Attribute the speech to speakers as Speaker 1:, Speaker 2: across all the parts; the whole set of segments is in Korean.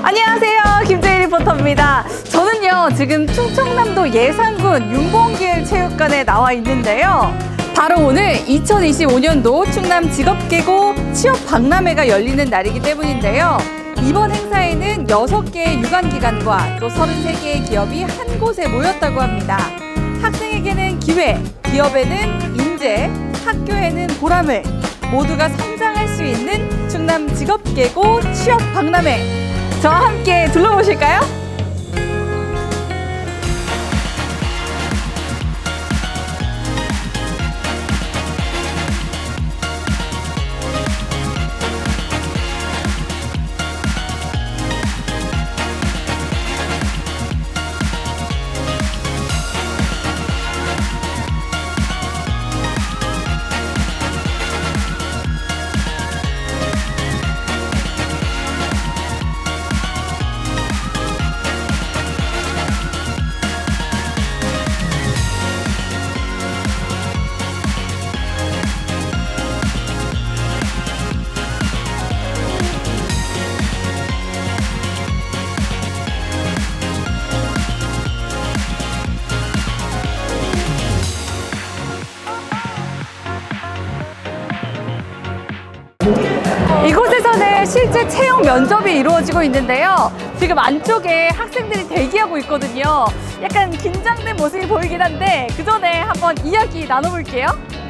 Speaker 1: 안녕하세요, 김재희 리포터입니다. 저는요 지금 충청남도 예산군 윤봉길 체육관에 나와 있는데요. 바로 오늘 2025년도 충남 직업계고 취업박람회가 열리는 날이기 때문인데요. 이번 행사에는 6개의 유관기관과 또 33개의 기업이 한 곳에 모였다고 합니다. 학생에게는 기회, 기업에는 인재, 학교에는 보람을, 모두가 성장할 수 있는 충남 직업계고 취업박람회. 저와 함께 둘러보실까요? 이곳에서는 실제 채용 면접이 이루어지고 있는데요. 지금 안쪽에 학생들이 대기하고 있거든요. 약간 긴장된 모습이 보이긴 한데 그 전에 한번 이야기 나눠볼게요.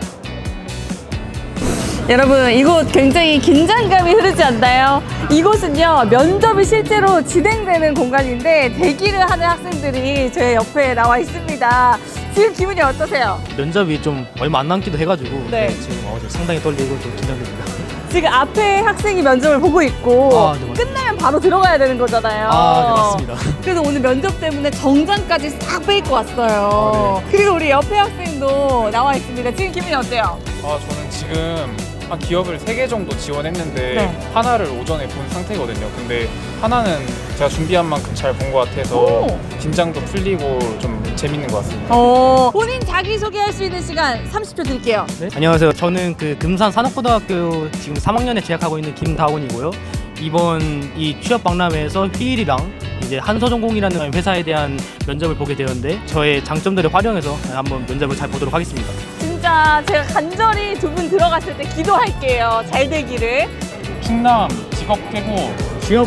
Speaker 1: 여러분, 이곳 굉장히 긴장감이 흐르지 않나요? 이곳은요, 면접이 실제로 진행되는 공간인데 대기를 하는 학생들이 제 옆에 나와 있습니다. 지금 기분이 어떠세요?
Speaker 2: 면접이 좀 얼마 안 남기도 해가지고
Speaker 1: 네.
Speaker 2: 지금 상당히 떨리고 좀 긴장됩니다.
Speaker 1: 지금 앞에 학생이 면접을 보고 있고
Speaker 2: 네,
Speaker 1: 끝나면 바로 들어가야 되는 거잖아요.
Speaker 2: 네, 맞습니다.
Speaker 1: 그래서 오늘 면접 때문에 정장까지 싹 빼입고 왔어요. 그리고 우리 옆에 학생도 나와 있습니다. 지금 기분이 어때요?
Speaker 3: 저는 지금 한 기업을 3개 정도 지원했는데
Speaker 1: 네.
Speaker 3: 하나를 오전에 본 상태거든요. 근데 하나는 제가 준비한 만큼 잘 본 것 같아서
Speaker 1: 오.
Speaker 3: 긴장도 풀리고 좀 재밌는 것 같습니다.
Speaker 1: 본인 자기소개할 수 있는 시간 30초 드릴게요.
Speaker 2: 네? 안녕하세요. 저는 금산 산업고등학교 지금 3학년에 재학하고 있는 김다원이고요. 이번 이 취업박람회에서 휘일이랑 이제 한서전공이라는 회사에 대한 면접을 보게 되었는데 저의 장점들을 활용해서 한번 면접을 잘 보도록 하겠습니다.
Speaker 1: 진짜 제가 간절히 두 분 들어갔을 때 기도할게요. 잘 되기를.
Speaker 3: 충남 직업계고
Speaker 2: 취업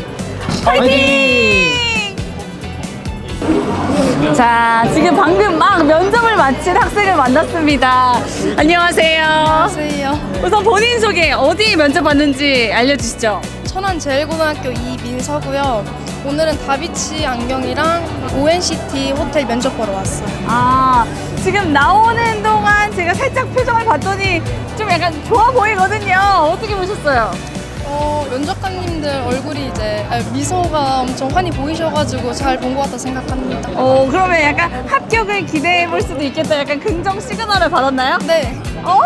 Speaker 1: 파이팅! 자, 지금 방금 막 면접을 마친 학생을 만났습니다. 안녕하세요.
Speaker 4: 안녕하세요.
Speaker 1: 우선 본인 소개, 어디 면접 봤는지 알려주시죠.
Speaker 4: 천안제일고등학교 이민서고요. 오늘은 다비치 안경이랑 ONCT 호텔 면접 보러 왔어요.
Speaker 1: 아, 지금 나오는 동안 제가 살짝 표정을 봤더니 좀 약간 좋아 보이거든요. 어떻게 보셨어요?
Speaker 4: 면접관님들 얼굴이 이제 미소가 엄청 환히 보이셔가지고 잘 본 것 같다 생각합니다.
Speaker 1: 그러면 약간 합격을 기대해 볼 수도 있겠다. 약간 긍정 시그널을 받았나요?
Speaker 4: 네.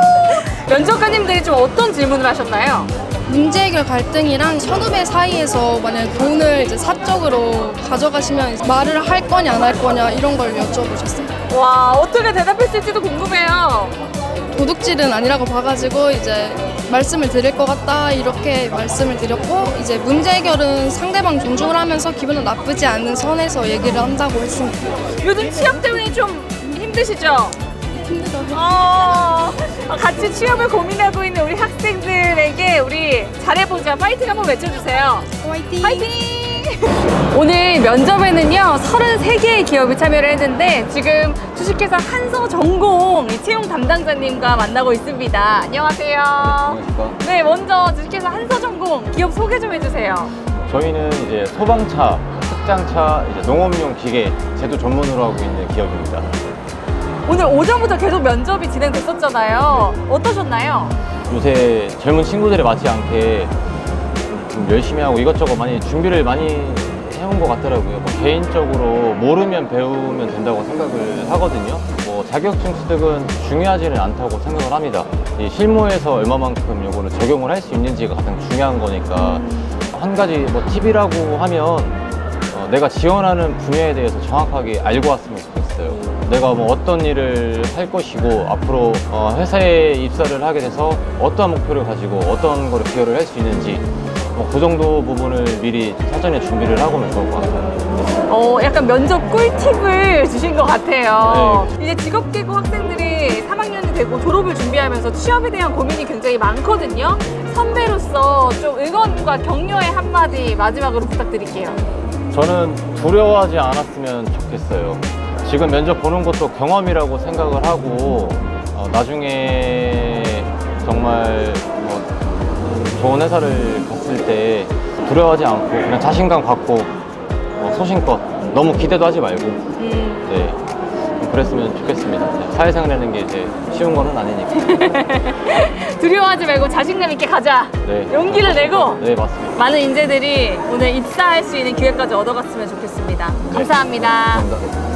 Speaker 1: 면접관님들이 좀 어떤 질문을 하셨나요?
Speaker 4: 문제 해결 갈등이랑 선후배 사이에서 만약 돈을 이제 사적으로 가져가시면 말을 할 거냐 안 할 거냐 이런 걸 여쭤보셨어요.
Speaker 1: 와, 어떻게 대답했을지도 궁금해요.
Speaker 4: 도둑질은 아니라고 봐가지고 이제 말씀을 드릴 것 같다 이렇게 말씀을 드렸고 이제 문제 해결은 상대방 존중을 하면서 기분은 나쁘지 않은 선에서 얘기를 한다고 했습니다.
Speaker 1: 요즘 취업 때문에 좀 힘드시죠?
Speaker 4: 힘들어요.
Speaker 1: 같이 취업을 고민하고 있는 우리 학생들에게 우리 잘해보자 파이팅 한번 외쳐주세요.
Speaker 4: 화이팅!
Speaker 1: 파이팅! 오늘 면접에는요 33개의 기업이 참여를 했는데 지금 주식회사 한서전공 채용 담당자님과 만나고 있습니다. 안녕하세요.
Speaker 5: 안녕하십니까.
Speaker 1: 네, 먼저 주식회사 한서전공 기업 소개 좀 해주세요.
Speaker 5: 저희는 이제 소방차, 특장차, 이제 농업용 기계 제조 전문으로 하고 있는 기업입니다.
Speaker 1: 오늘 오전부터 계속 면접이 진행됐었잖아요. 어떠셨나요?
Speaker 5: 요새 젊은 친구들이 맞지 않게 좀 열심히 하고 이것저것 많이 준비를 많이 해온 것 같더라고요. 개인적으로 모르면 배우면 된다고 생각을 하거든요. 자격증 취득은 중요하지는 않다고 생각을 합니다. 이 실무에서 얼마만큼 이거를 적용을 할 수 있는지가 가장 중요한 거니까 한 가지 팁이라고 하면 내가 지원하는 분야에 대해서 정확하게 알고 왔으면 좋겠어요. 내가 어떤 일을 할 것이고 앞으로 회사에 입사를 하게 돼서 어떠한 목표를 가지고 어떤 거를 기여를 할 수 있는지 그 정도 부분을 미리 사전에 준비를 하고 오면 좋을 것 같아요.
Speaker 1: 약간 면접 꿀팁을 주신 것 같아요. 이제 직업계고 학생들이 3학년이 되고 졸업을 준비하면서 취업에 대한 고민이 굉장히 많거든요. 선배로서 좀 응원과 격려의 한마디 마지막으로 부탁드릴게요.
Speaker 5: 저는 두려워하지 않았으면 좋겠어요. 지금 면접 보는 것도 경험이라고 생각을 하고 나중에 정말 좋은 회사를 갔을 때 두려워하지 않고 그냥 자신감 갖고 소신껏 너무 기대도 하지 말고 네, 좀 그랬으면 좋겠습니다. 사회생활하는 게 이제 쉬운 거는 아니니까.
Speaker 1: 두려워하지 말고 자신감 있게 가자.
Speaker 5: 네,
Speaker 1: 용기를 내고
Speaker 5: 네, 맞습니다.
Speaker 1: 많은 인재들이 오늘 입사할 수 있는 기회까지 얻어갔으면 좋겠습니다. 감사합니다.
Speaker 5: 감사합니다.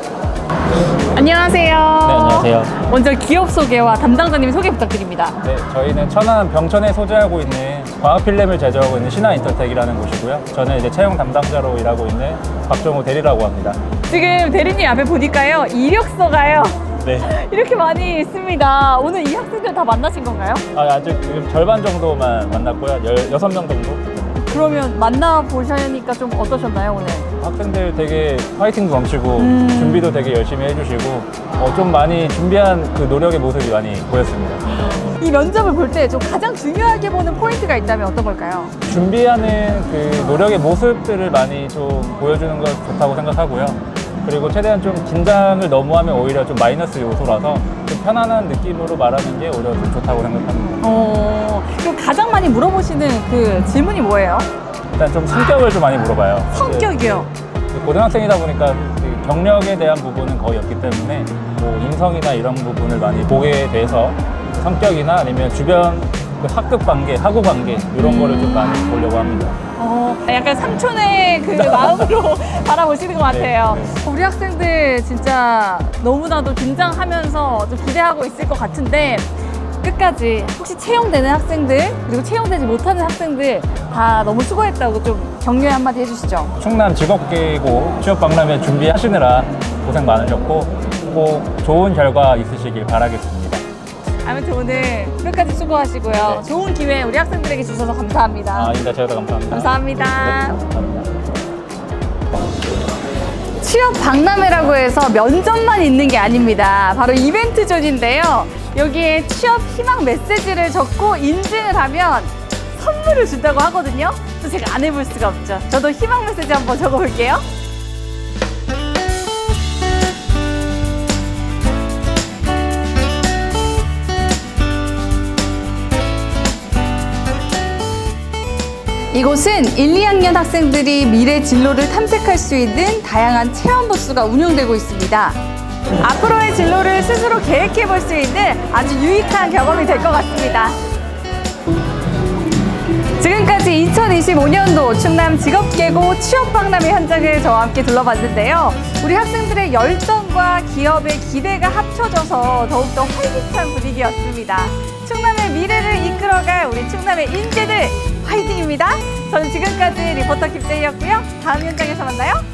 Speaker 1: 안녕하세요.
Speaker 6: 네, 안녕하세요.
Speaker 1: 먼저 기업 소개와 담당자님 소개 부탁드립니다.
Speaker 6: 네, 저희는 천안 병천에 소재하고 있는 광학 필름을 제조하고 있는 신화 인터텍이라는 곳이고요. 저는 이제 채용 담당자로 일하고 있는 박정우 대리라고 합니다.
Speaker 1: 지금 대리님 앞에 보니까요, 이력서가요.
Speaker 6: 네.
Speaker 1: 이렇게 많이 있습니다. 오늘 이 학생들 다 만나신 건가요?
Speaker 6: 아직 지금 절반 정도만 만났고요. 16명 정도.
Speaker 1: 그러면 만나보시니까 좀 어떠셨나요, 오늘?
Speaker 6: 학생들 되게 파이팅도 넘치고 준비도 되게 열심히 해주시고 좀 많이 준비한 그 노력의 모습이 많이 보였습니다.
Speaker 1: 이 면접을 볼 때 좀 가장 중요하게 보는 포인트가 있다면 어떤 걸까요?
Speaker 6: 준비하는 그 노력의 모습들을 많이 좀 보여주는 것 좋다고 생각하고요. 그리고 최대한 좀 긴장을 너무 하면 오히려 좀 마이너스 요소라서 좀 편안한 느낌으로 말하는 게 오히려 좀 좋다고 생각합니다.
Speaker 1: 그럼 가장 많이 물어보시는 그 질문이 뭐예요?
Speaker 6: 일단 좀 성격을 좀 많이 물어봐요.
Speaker 1: 성격이요.
Speaker 6: 고등학생이다 보니까 그 경력에 대한 부분은 거의 없기 때문에 뭐 인성이나 이런 부분을 많이 보게 돼서 성격이나 아니면 주변 그 학급 관계, 학우 관계 이런 거를 좀 많이 보려고 합니다.
Speaker 1: 약간 삼촌의 그 마음으로 바라보시는 것 같아요.
Speaker 6: 네.
Speaker 1: 우리 학생들 진짜 너무나도 긴장하면서 좀 기대하고 있을 것 같은데 끝까지 혹시 채용되는 학생들 그리고 채용되지 못하는 학생들 다 너무 수고했다고 좀 격려의 한마디 해주시죠.
Speaker 6: 충남 직업계고 취업박람회 준비하시느라 고생 많으셨고 꼭 좋은 결과 있으시길 바라겠습니다.
Speaker 1: 아무튼 오늘 끝까지 수고하시고요.
Speaker 6: 네.
Speaker 1: 좋은 기회 우리 학생들에게 주셔서 감사합니다.
Speaker 6: 인사 저희도 감사합니다.
Speaker 1: 감사합니다.
Speaker 6: 네, 감사합니다.
Speaker 1: 취업 박람회라고 해서 면접만 있는 게 아닙니다. 바로 이벤트 존인데요. 여기에 취업 희망 메시지를 적고 인증을 하면 선물을 준다고 하거든요. 또 제가 안 해볼 수가 없죠. 저도 희망 메시지 한번 적어볼게요. 이곳은 1, 2학년 학생들이 미래 진로를 탐색할 수 있는 다양한 체험 부스가 운영되고 있습니다. 앞으로의 진로를 스스로 계획해 볼 수 있는 아주 유익한 경험이 될 것 같습니다. 지금까지 2025년도 충남 직업계고 취업박람회 현장을 저와 함께 둘러봤는데요. 우리 학생들의 열정과 기업의 기대가 합쳐져서 더욱더 활기찬 분위기였습니다. 충남의 미래를 이끌어갈 우리 충남의 인재들 화이팅입니다. 저는 지금까지 리포터 김재희였고요. 다음 현장에서 만나요.